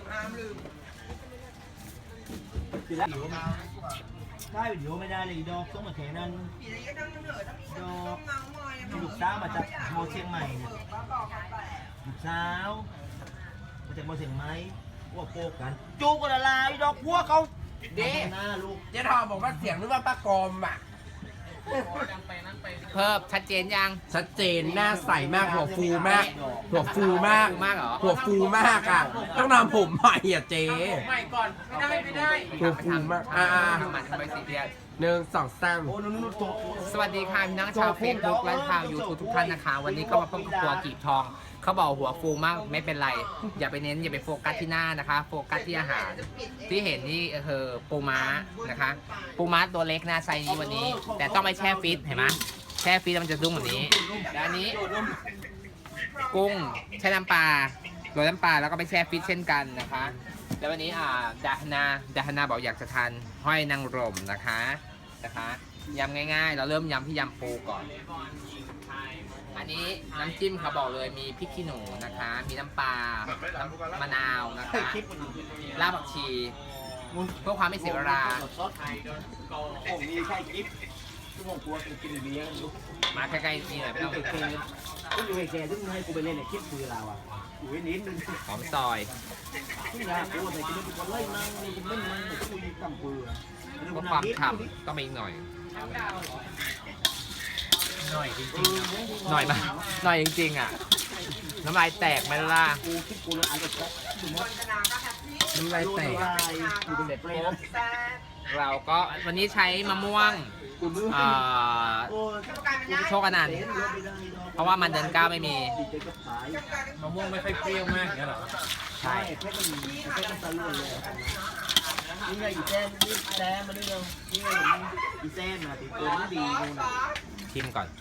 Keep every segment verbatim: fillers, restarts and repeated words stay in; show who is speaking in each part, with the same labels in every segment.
Speaker 1: ได้วิดีโอไม่ได้เลยดอกต้องมาแข่งนั้นดอกลูกสาวมาจากโมเชียงใหม่เนี่ยลูกสาวมาจากโมเชียงใหม่ว่าโกกันจูกันอะไรดอกพัวเขาเด็หน้าลูก
Speaker 2: เจ๊ทองบอกว่าเสียงนึกว่าป้ากรมอ่ะ
Speaker 3: เพิ่มชัดเจนยัง
Speaker 2: ชัดเจนหน้าใสมากหัวฟูมากหัวฟูมาก
Speaker 3: มากเหรอ
Speaker 2: หัวฟูมากอ่ะต้องทำผมใหม่อ่ะเจ๊
Speaker 3: ใหม่ก่อนไม่ได้ไม่ได้
Speaker 2: หัวฟูมากอ่า
Speaker 3: ทำมันทำไมสีเดียด
Speaker 2: หนึ่งสองสาม
Speaker 3: สวัสดีค่ะพี่น้องชาวเฟซบุ๊กและชาวยูทูบทุกท่านนะคะวันนี้ก็มาพบกับครัวกีบทองเขาบอกหัวฟูมากไม่เป็นไรอย่าไปเน้นอย่าไปโฟกัสที่หน้านะคะโฟกัสที่อาหารที่เห็นนี่คือปูม้านะคะปูม้าตัวเล็กนะไซส์นี้วันนี้ แต่ต้องไปแช่ฟิตเห็นไหมแช่ฟิตมันจะดุ้งแบบนี้และอันนี้กุ้งแช่น้ำปลาโรยน้ำปลาแล้วก็ไปแช่ฟิตเช่นกันนะคะแล้ววันนี้อ่าดาฮนาดาฮนาบอกอยากจะทานห้อยนางรมนะคะนะคะยำง่ายๆเราเริ่มยำที่ยำปูก่อนอันนี้น้ำจิ้มเขาบอกเลยมีพริกขี้หนูนะคะมีน้ำปลาน้ำมะนาวนะคะรากผักชีเพื่อความไม่เสียเวลา
Speaker 1: ผมมีแค่กิ๊บทุกคนกลัวกินเบียร์
Speaker 3: มาใกล้ๆนี่หน่อยไม่ต้อง
Speaker 1: เคยกูอยู่แค่ซึ่งให้กูไปเล่นเนี่ยคิดคือเราอ่ะอยู่นิดนึง
Speaker 3: หอมซอย
Speaker 1: ซึ่งยากูใส่กินเป็นคนไล่นั่งนี่เป็นนั่งแต่กูยืนต่ำปืน
Speaker 3: เพื่อความฉ่ำต้องไปอีกหน่อยหน่อยจริงๆหน่อยมาหน่อยจริงๆอ่ะน้ำลายแตกไหมล่ะ
Speaker 1: กูคิดกูเลยอาจจะ
Speaker 3: น้ำลายแตกเสร็จปุ๊บเราก็วันนี้ใช้มะม่วงโชคอนันต์เพราะว่ามันเดินก้าวไม่มี
Speaker 2: มะม่วงไม่ค่อยเปรี้ยวมากเนี่ยหรอ
Speaker 1: ใช่แค่มันแค่มันตะลุ่นเลยนี่ไงอีแซมนี่แซมมาด้วยเนาะนี่ไงอีแซมนะติดตัวมันดีดูนะ
Speaker 3: ชิมก่อน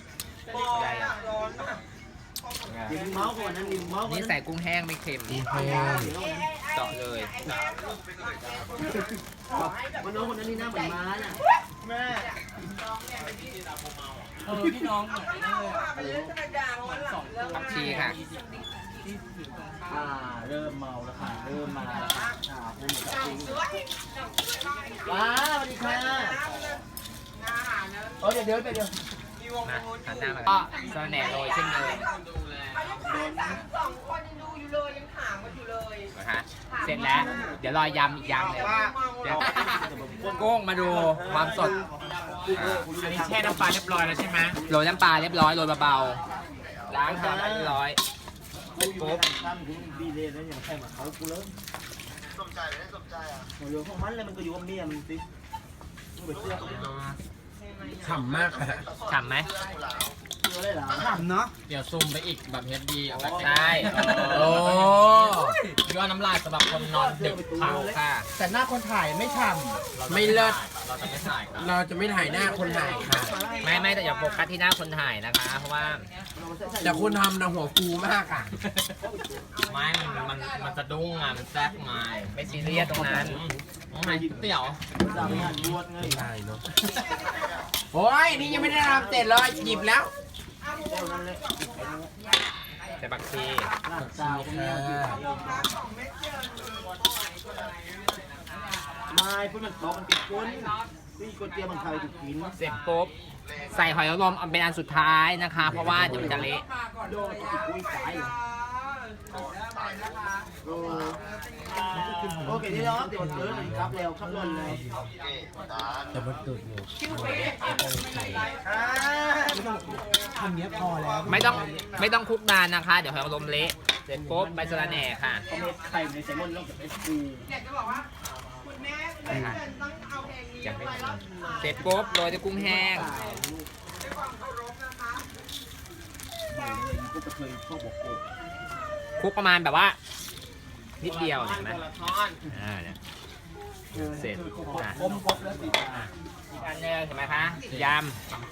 Speaker 3: นี่ใส่กุ้งแห้งไม่เค็มเจาะเลย
Speaker 1: มันน้องคนนั้นนี่หน้าเหมือนม้าน่ะแม่
Speaker 3: เออพี่น้องผักชีค่ะ
Speaker 1: อ่าเริ่มเมาแล้วค่ะเริ่มมาแล้วค่ะอ่าคุณหมูกับจริงว้าสวัสดีค่ะเออเดี๋ยวเดี๋ยวเดี๋ยว
Speaker 3: นะหันหน้ามาก็สแหน่โรยเช่นเดิม
Speaker 4: สองคนยังดูอยู่เลยยังถามกันอยู่เลย
Speaker 3: นะฮะเสร็จแล้วเดี๋ยวรอยำอีกยำเลยเดี๋ยวกุ้งมาดูความสด
Speaker 2: อันนี้แช่น้ำปลาเรียบร้อยแล้วใช่ไหม
Speaker 3: โรยน้ำปลาเรียบร้อยโรยเบาๆล้างทำเรียบร้อย
Speaker 1: ปุ๊บตั้มคุณดีเลยนะอย่างแค่มาเขากูเริ่มสมใจเลยสมใจอ่ะโอ้ยพวกมันเลยมันก็อยู่กับเมียมันสิมึงไปเชื่อเขา
Speaker 2: ฉ่ำมากอะ
Speaker 3: ฉ่ำไหม
Speaker 1: ฉ่ำเนาะ
Speaker 2: เดี๋ยวซูมไปอีกแบบเฮดดีเอา
Speaker 3: ใช่
Speaker 2: โอ้ยอดน้ำลายสำหรับคนนอนดึกเผา
Speaker 3: ค่ะ
Speaker 2: แต่หน้าคนถ่ายไม่ฉ่ำไม่เลิศเราจะไม่ถ่ายเราจะไม่ถ่ายหน้าคนถ่ายค่ะ
Speaker 3: ไม่ไม่แต่อย่าโฟกัสที่หน้าคนถ่ายนะคะเพราะว่า
Speaker 2: แต่คุณทำนะหัวฟูมากอ่ะ
Speaker 3: ไม่มันมันมันจะดุ้งอ่ะมันแซ่บไงไม่ซีเรียสตรงนั้นไม่เตี๋ยว
Speaker 2: ได้เนาะโอ้ยนี่ยังไม่ได้ทำเสร็จเลยหยิบแล้ว
Speaker 3: ใส่บักชี
Speaker 1: ไม่พูดมันตอกมันติดก้นพี่ก้นเตี้ยมันใครถูกกิน
Speaker 3: เสร็จปุ๊บใส่หอยนางรมเป็นอันสุดท้ายนะคะเพราะว่าเดี๋ยวมันจะเละ
Speaker 1: โอเคที่เราเดี๋ยวเดินครับเร็วขับรถเลย
Speaker 2: แต่มันตุ่นอยู่
Speaker 1: ทำเนี้ยพอแล้ว
Speaker 3: ไม่ต้องไม่ต้องคลุกนานนะคะเดี๋ยวหอยนางรมเละเสร็จปุ๊บใบสะระแหน่ค่ะ
Speaker 1: ไข่ในแซลมอนแล้วกับเอสปู
Speaker 4: อยากจะบอกว่าคุณแม่คุณแม่ต้องเอาเพลงนี้ไปรอบ
Speaker 3: เสร็จปุ๊บโรยด้วยกุ้งแห้ง
Speaker 4: ด้วยความเคารพนะคะ
Speaker 3: คลุกประมาณแบบว่านิดเดียวเห็นไหมอ่าเนี่ยเสร็จอ่ะ
Speaker 1: อมครบแล้วสิ
Speaker 3: อีกอันนึงเห็นไหมคะยำ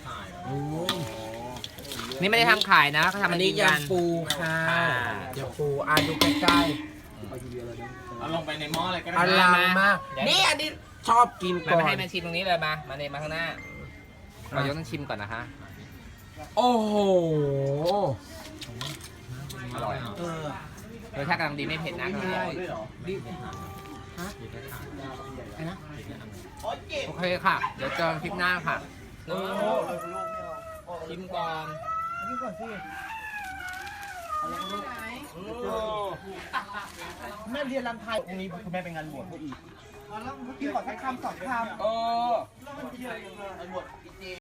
Speaker 3: นี่ไม่ได้ทำขายนะเขาทำอันนี้
Speaker 2: ยำปูค่ะยำปูอ่านดูใกล้
Speaker 1: ๆเอาลงไปในหม้อเลยก็ได้
Speaker 2: อลังมากนี่อันนี้ชอบกินก่อน
Speaker 3: มาให้แม่ชิมตรงนี้เลยมามาเลยมาข้างหน้าเรายกต้องชิมก่อนนะคะ
Speaker 2: โอ้โห
Speaker 3: อร่อยรสชาติกำลังดีไม่เผ็ดนะ
Speaker 1: ไม่ได้ด้วยเหรอ
Speaker 3: ฮะไอ้นะ
Speaker 1: โอ๊ยเจ็บ
Speaker 3: โอเคค่ะ เดี๋ยวเจอกันคลิปหน้าค่ะ
Speaker 1: โอ้โหลูกไม่เอา
Speaker 3: ชิมก่อน
Speaker 1: นี่ก่อนสิแม่เรียนรำไทยตรงนี้คุณแม่เป็นงานบวชพวกอีกกินก่อนสักคำสองคำ
Speaker 2: เออ
Speaker 1: งานบวช